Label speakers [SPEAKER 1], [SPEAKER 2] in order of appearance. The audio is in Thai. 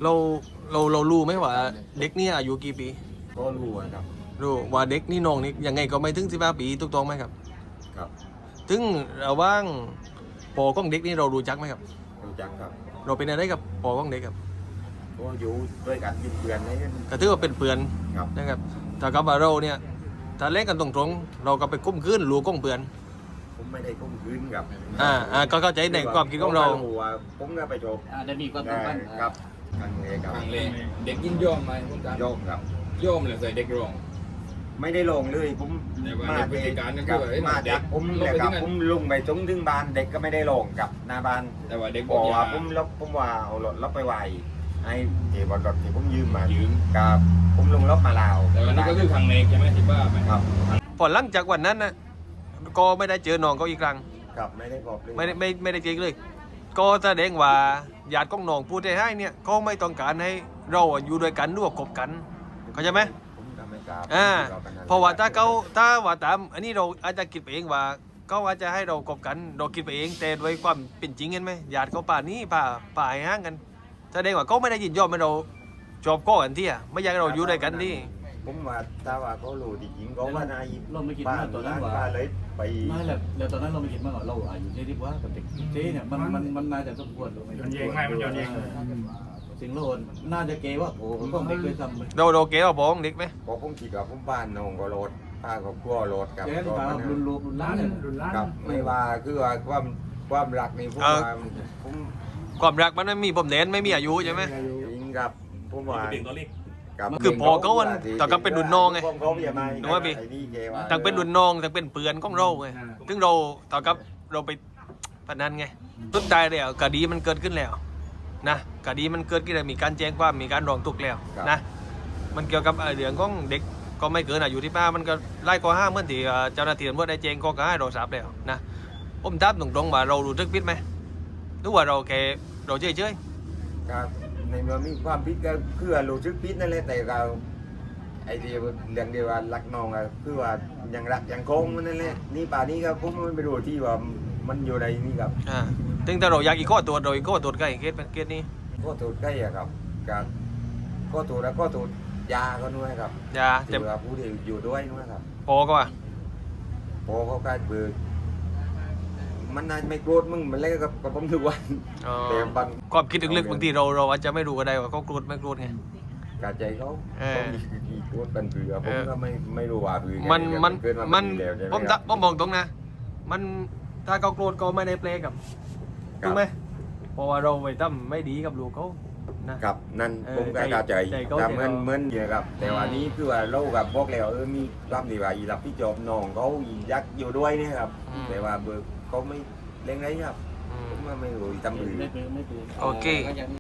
[SPEAKER 1] เราเรารู้ไหมว่าเด็กนี่อายุกี่ปี
[SPEAKER 2] ก็รู้ครับ
[SPEAKER 1] รู้ว่าเด็กนี่น้องนี่ยังไงก็ไม่ถึง15 ปีถูกต้องไหมครับ
[SPEAKER 2] ครับ
[SPEAKER 1] ถึงระว่างปอของเด็กนี่เรารู้จักไหมครับ
[SPEAKER 2] รู้จักครับ
[SPEAKER 1] เราเป็นอะไรกับปอของเด็กครับ
[SPEAKER 2] ก็อยู่ด้วยกันเป็นเพื่อนนี่
[SPEAKER 1] ก็ถือว่าเป็นเพื่อนนะครับถ้ากับว่าเราเนี่ยถ้าเล่นกันตรงๆเราก็ไปคุ้มคืนรู้ก้องเพื่อน
[SPEAKER 2] ผมไม่ได้ก้มคืนครับ
[SPEAKER 1] ก็เข้าใจในความคิดของเรา
[SPEAKER 2] ผมก็ไปจบ
[SPEAKER 3] ได้มีความสัมพันธ์
[SPEAKER 2] ครับครั้งเลยครับ
[SPEAKER 4] เด็กยินยอมไหมคุณการ
[SPEAKER 2] ยอมครับ
[SPEAKER 4] ยอมเลยใส่เด็กร้อง
[SPEAKER 2] ไม่ได้ลงเลยผม
[SPEAKER 4] มา
[SPEAKER 2] พฤติการนั่นคือมาจากผมเนี่ยครับผมลงไปจงถึงบ้านเด็กก็ไม่ได้ลงกับหน้าบ้าน
[SPEAKER 4] แต่ว่าเด็ก
[SPEAKER 2] บอกว่าผมว่าเอารถรับไปไหวให้เดี๋ยวรถที่ผมยืมกับผมลงรถมาลาว
[SPEAKER 4] แต่วันนี้ก็คือครั้งเอกใช่ไหมที่บ้าไหม
[SPEAKER 2] ครับ
[SPEAKER 1] พอหลังจากวันนั้นนะก็ไม่ได้เจอน้องเขาอีกครั้ง
[SPEAKER 2] ครับไม่ได้บอกเลย
[SPEAKER 1] ไม่ได้เจอเลยก็แสดงว่าญาติของน้องพูดได้ให้เนี่ยเขาไม่ต้องการให้เราอยู่ด้วยกันด้วยคบกันเข้าใจไหมเพราะว่าถ้าว่าตามอันนี้เราอาจจะคิดไปเองว่าเขาอาจจะให้เราคบกันเราคิดไปเองแต่โดยความเป็นจริงเห็นไหมญาติเขาป่านี้ป่าห้างกันแสดงว่าเขาไม่ได้ยินยอมให้เราจบก้อนที่ไม่อยากให้เราอยู่ด้วยกันที่
[SPEAKER 2] ผมว่าถ้าว่าเขารู้จริงเขาว่านาย
[SPEAKER 3] เราไม่คิดว่าตอนนั้นว่า
[SPEAKER 2] เลยไป
[SPEAKER 3] ไม่แหละแล้วตอนนั้นเราไม่คิดว่าเราอายุเท่ที่ว่ากับเด็กเท่เนี่ยมันน่าจะสมควรหรือไม่
[SPEAKER 4] ย้อนเองไม่มันย้อนเอง
[SPEAKER 3] สิ่งโลนน่าจะเกว่าโอ้ผมต้องเด็กด้วยซ้ำ
[SPEAKER 1] เราเกว่าผมเด็กไหม
[SPEAKER 2] ผมคิดว่าผมบ้านน้องก็โหลดป้าก็กลัวโหลดกับ
[SPEAKER 3] ก็รุนล้าน
[SPEAKER 2] กับไม่ว่าคือว่าความรักนี่ผม
[SPEAKER 1] ความรักมันไม่มีผมเน้นไม่มีอายุใช่ไหม
[SPEAKER 2] จริงครับผมว่า
[SPEAKER 1] คือพอเขาวันต่อกับเป็นดุนน้องไงนึกว่าพี่ต่างเป็นดุนน้องต่างเป็นเปื่อนของเราไงถึงเราต่อกับเราไปพนันไงสุดท้ายแล้วคดีมันเกิดขึ้นแล้วนะคดีมันเกิดขึ้นแล้วมีการแจ้งความมีการร้องทุกข์แล้วนะมันเกี่ยวกับเรื่องของเด็กก็ไม่เกินอายุที่ป้ามันก็ไล่ข้อห้ามเมื่อที่เจ้าหน้าที่ตำรวจได้แจ้งข้อกล่าวหาเราทราบแล้วนะผมถามตรงๆว่าเรารู้สึกผิดไหมหรือว่าเราแค่เราเฉย
[SPEAKER 2] ๆครับในเมื่อมีความผิดก็คือรู้สึกผิดนั่นแหละแต่เราไอ้ที่เรื่องเดียวว่ารักน้องก็คือว่ายังรักยังคงนั่นแหละนี่ป่านี้ก็ผมไม่รู้ที่ว่ามันอยู่ในนี่ครับ
[SPEAKER 1] ถึงแต่เราอยากอีกข้อตัวเราอีกข้อตัวใกล้เคสนี้
[SPEAKER 2] ข้อตัวใกล้ครับการข้อตัวแล้วข้อตัวยาก็ด้วยครับ
[SPEAKER 1] ยา
[SPEAKER 2] แต่ว่าผู้ที่อยู่ด้วยด้วยครับ
[SPEAKER 1] พอก็ว่า
[SPEAKER 2] พอเขาใกล้เบื่อมันน่าไม่โกรธมึงมันเล่นกับผมทุกวันแต่บาง
[SPEAKER 1] ความคิดลึกๆบางทีเราอาจจะไม่รู้ก็ได้ว่าเขาโกรธไม่โกรธไง
[SPEAKER 2] กาใจเขามีโกรธกันเบื่อผมก็ไม่รู้ว่าเบื่อ
[SPEAKER 1] ผมมองตรงนะมันถ้าเขาโกรธก็ไม่ได้เปลกับถูกไหมเพราะว่าเราไปทำไม่ดีกับลูกเขา
[SPEAKER 2] นะครับนั่นผมก็เข้าใจแต่เหมือนอย่างครับแต่ว่านี้คือว่าเรากับพวกแล้วมีความดีว่าอีรับพี่จบน้องเขายักอยู่ด้วยนี่ครับแต่ว่าเบอร์เขาไม่เล่นไรครับผมไม่รู้ทำหรือ
[SPEAKER 1] โอเค